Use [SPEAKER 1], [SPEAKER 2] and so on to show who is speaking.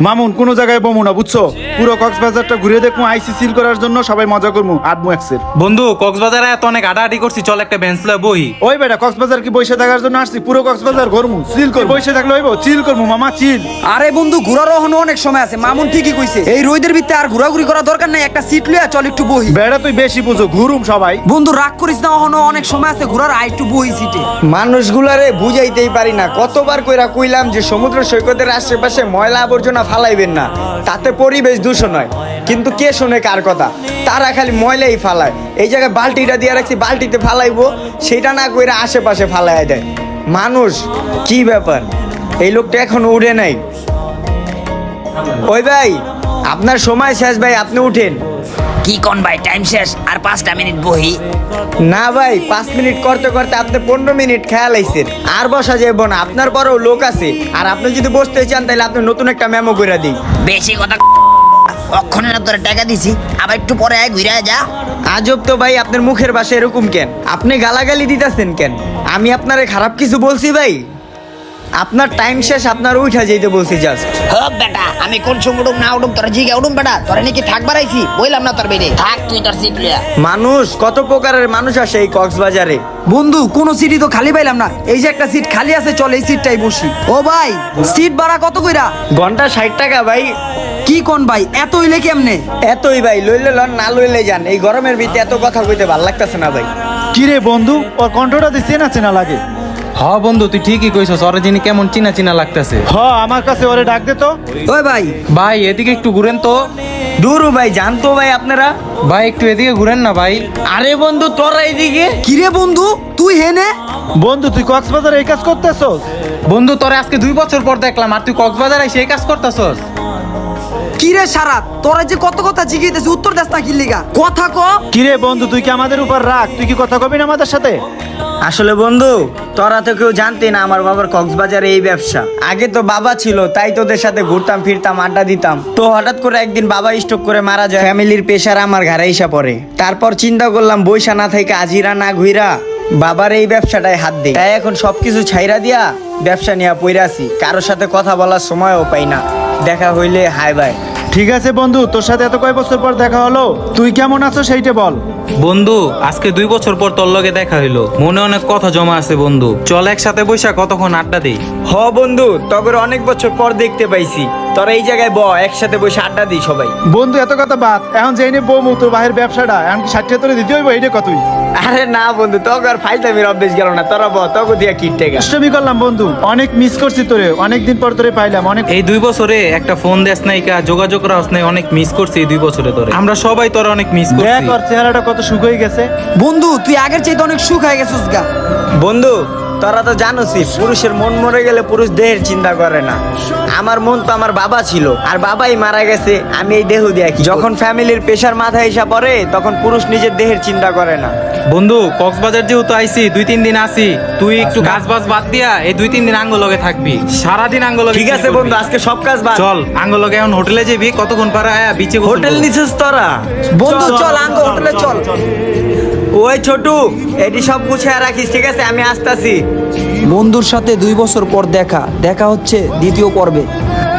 [SPEAKER 1] মামুন কোন জায়গায় বমু না বুঝছো, পুরো কক্সবাজারটা ঘুরে দেখবো, আইসি সিল করার জন্য সবাই মজা করবো আটমু এক্সের।
[SPEAKER 2] বন্ধু কক্সবাজারে এত অনেক হাঁটাহাঁটি করছি, চল একটা বেঞ্চ লয়ে বহি।
[SPEAKER 1] ওই বেটা কক্সবাজার কি বসে থাকার জন্য আসছি? পুরো কক্সবাজার ঘুরমু, চিল করবো। বসে থাকলে হইব, চিল করবো মামা, চিল।
[SPEAKER 3] আরে বন্ধু ঘোরার এখনো অনেক সময় আছে, মামুন ঠিকই কইছে। এই রোদের ভিতরে আর ঘোরাঘুরি করা দরকার নাই, একটা সিট লইয়া চল একটু বহি।
[SPEAKER 1] বেটা তুই বেশি বুঝো, ঘুরুম সবাই।
[SPEAKER 3] বন্ধু রাগ করিস না, এখনো অনেক সময় আছে ঘোরার, আই একটু বহি সিটে।
[SPEAKER 4] মানুষগুলারে বুঝাইতেই পারি না, কতবার কইরা কইলাম যে সমুদ্র সৈকতের আশেপাশে ময়লা আবর্জনা ফালাইবেন না, তাতে পরিবেশ দূষণ হয়, কিন্তু কে শোনে কার কথা? তারা খালি ময়লাই ফালায়। এই জায়গায় বালতিটা দিয়ে রাখছি, বালতিতে ফালাইবো, সেটা না কইরা আশেপাশে ফালাই দেয়। মানুষ কি ব্যাপার, এই লোকটা এখনো উঠে নাই। ওই ভাই আপনার সময় শেষ ভাই, আপনি উঠেন।
[SPEAKER 5] কি কোন ভাই, টাইম শেষ, আর 5টা মিনিট বহি।
[SPEAKER 4] না ভাই 5 মিনিট করতে করতে আপনি 15 মিনিট খেয়াল আইছেন, আর বসা যাইব না, আপনার বড়ও লোক আছে। আর আপনি যদি বসতে চান তাহলে আপনি নতুন একটা মেমো করে দিই।
[SPEAKER 5] বেশি কথা অক্ষণে না তোরা টাকা দিছি, আবার একটু পরে আয় ঘুরে যা।
[SPEAKER 4] আজব তো ভাই, আপনার মুখের ভাষা এরকম কেন? আপনি গালাগালি দিতেছেন কেন? আমি আপনারে খারাপ কিছু বলছি ভাই? আপনার টাইম শেষ, আপনার উঠা যেতে বলছি জাস্ট।
[SPEAKER 5] হপ বেটা, আমি কোন সময় উঠুম না উঠুম তোরা জিগা উঠুম বেটা, তোরা নাকি থাকবার আইছি, বললাম না তোর বেড়ে থাক, তুই তোর সিট লিয়া।
[SPEAKER 4] মানুষ কত প্রকারের মানুষ আসে এই কক্সবাজারে।
[SPEAKER 3] বন্ধু কোন সিটই তো খালি পাইলাম না, এই যে একটা সিট খালি আছে, চল এই সিটটাই বসি। ও ভাই সিট ভাড়া কত কইরা?
[SPEAKER 4] ঘন্টা 60 টাকা ভাই।
[SPEAKER 3] কি কোন ভাই, এত হইলে কেমনে?
[SPEAKER 4] এতই ভাই, লইলে লন, না লইলে যান। এই গরমের ভিতরে এত কথা কইতে ভাল লাগতেছে না ভাই।
[SPEAKER 1] কিরে বন্ধু, ওর কণ্ঠটা দিয়ে চেনা চেনা লাগে।
[SPEAKER 2] হ বন্ধু তুই ঠিকই কইছস, ওরে যিনি কেমন চিনা চিনা লাগতেছে।
[SPEAKER 1] হ, আমার কাছে ওরে ডাক দে তো।
[SPEAKER 3] ওই ভাই
[SPEAKER 2] ভাই এদিকে একটু ঘুরেন তো।
[SPEAKER 4] দূরও ভাই, জানতো ভাই আপনারা।
[SPEAKER 2] ভাই একটু এদিকে ঘুরেন না ভাই।
[SPEAKER 4] আরে বন্ধু তোরা এইদিকে।
[SPEAKER 3] কিরে বন্ধু তুই হেনে?
[SPEAKER 1] বন্ধু তুই কক্সবাজারে এই কাজ করতেছস?
[SPEAKER 2] বন্ধু তোরে আজকে 2 বছর পর দেখলাম, আর তুই কক্সবাজার এসে এই কাজ করতেছস?
[SPEAKER 3] কিরে সারাত, তোরা যে কত কথা জিজ্ঞেস উত্তর দেস না কি লিগা? কথা ক।
[SPEAKER 1] কিরে বন্ধু, তুই কি আমাদের উপর রাগ? তুই কি কথা কবি না আমাদের সাথে?
[SPEAKER 4] আসলে বন্ধু তোরা তো কেউ জানতে না আমার বাবার কক্সবাজারে এই ব্যবসা। আগে তো বাবা ছিল, তাই তোদের সাথে ঘুরতাম ফিরতাম, আড্ডা দিতাম। তো হঠাৎ করে একদিন বাবা স্ট্রোক করে মারা যায়, ফ্যামিলির প্রেশার আমার ঘাড়ে এসে পড়ে। তারপর চিন্তা করলাম বৈশা না থেকে আজিরা না ঘুইরা বাবার এই ব্যবসাটায় হাত দেই। তাই এখন সবকিছু ছাইরা দিয়া ব্যবসা নিয়ে পইরাছি, কারোর সাথে কথা বলার সময়ও পাই না, দেখা হইলে হাই বাই।
[SPEAKER 1] ঠিক আছে বন্ধু, তোর সাথে এত কয় বছর পর দেখা হলো, তুই কেমন আছো সেইটা বল।
[SPEAKER 2] বন্ধু আজকে 2 বছর পর তোর লগে দেখা হইলো, মনে অনেক কথা জমা আছে বন্ধু, চল একসাথে বইসা কতক্ষণ আড্ডা দেই।
[SPEAKER 4] হ বন্ধু, তবে অনেক বছর পর দেখতে পাইছি, তোরা এই জায়গায় একসাথে বসে আড্ডা দিই সবাই।
[SPEAKER 1] বন্ধু এত কথা বাদ, এখন যেই নে বউ তোর বাহির ব্যবসাটা এখন কি 60 তোরে দিতে হইব, এইটা কতই?
[SPEAKER 4] আরে না বন্ধু, তোকে আর ফাইজলামির অভ্যেস গেল না, তোরা তোকে দিয়া কিট টেকা।
[SPEAKER 1] দুষ্টমি করলাম বন্ধু, অনেক মিস করছি তোরে, অনেকদিন পর তোরে পাইলাম। অনেক
[SPEAKER 2] এই 2 বছরে একটা ফোন দেস নাই, কা যোগাযোগ রাখস নাই, অনেক মিস করছি এই 2 বছরে তোরে। আমরা সবাই তোরা অনেক মিস
[SPEAKER 1] দেখ
[SPEAKER 2] করছি।
[SPEAKER 1] ওর চেহারাটা কত সুখ হয়ে গেছে।
[SPEAKER 3] বন্ধু তুই আগের চাইতে অনেক সুখ হয়ে গেছিস গা।
[SPEAKER 4] বন্ধু তোরা তো জানোসই, পুরুষের মন মরে গেলে পুরুষ দেহের চিন্তা করে না। আমার মন তো আমার বাবা ছিল, আর বাবাই মারা গেছে, আমি এই দেহ দিয়ে কি? যখন ফ্যামিলির প্রেশার মাথায় এসে পড়ে তখন পুরুষ নিজের দেহের চিন্তা করে না।
[SPEAKER 2] বন্ধু কক্সবাজার যেহেতু আইছি 2-3 দিন আসি, তুই একটু কাজ বাজ বাদ দিয়া এই 2-3 দিন আঙ্গলগে থাকবি, সারাদিন আঙ্গলগে।
[SPEAKER 4] ঠিক আছে বন্ধু, আজকে সব কাজ বাদ।
[SPEAKER 2] চল আঙ্গলগে এখন হোটেলে যাবি, কতক্ষণ পরে আয়া বিচে গোসল
[SPEAKER 4] হোটেল
[SPEAKER 2] করবো।
[SPEAKER 4] নিছিস তোরা?
[SPEAKER 3] বন্ধু চল আঙ্গ হোটেলে চল।
[SPEAKER 4] ওই ছোটু, এটি সব গুছিয়ে রাখিস, ঠিক আছে? আমি আসতাছি।
[SPEAKER 3] বন্ধুর সাথে 2 বছর পর দেখা হচ্ছে দ্বিতীয় পর্বে।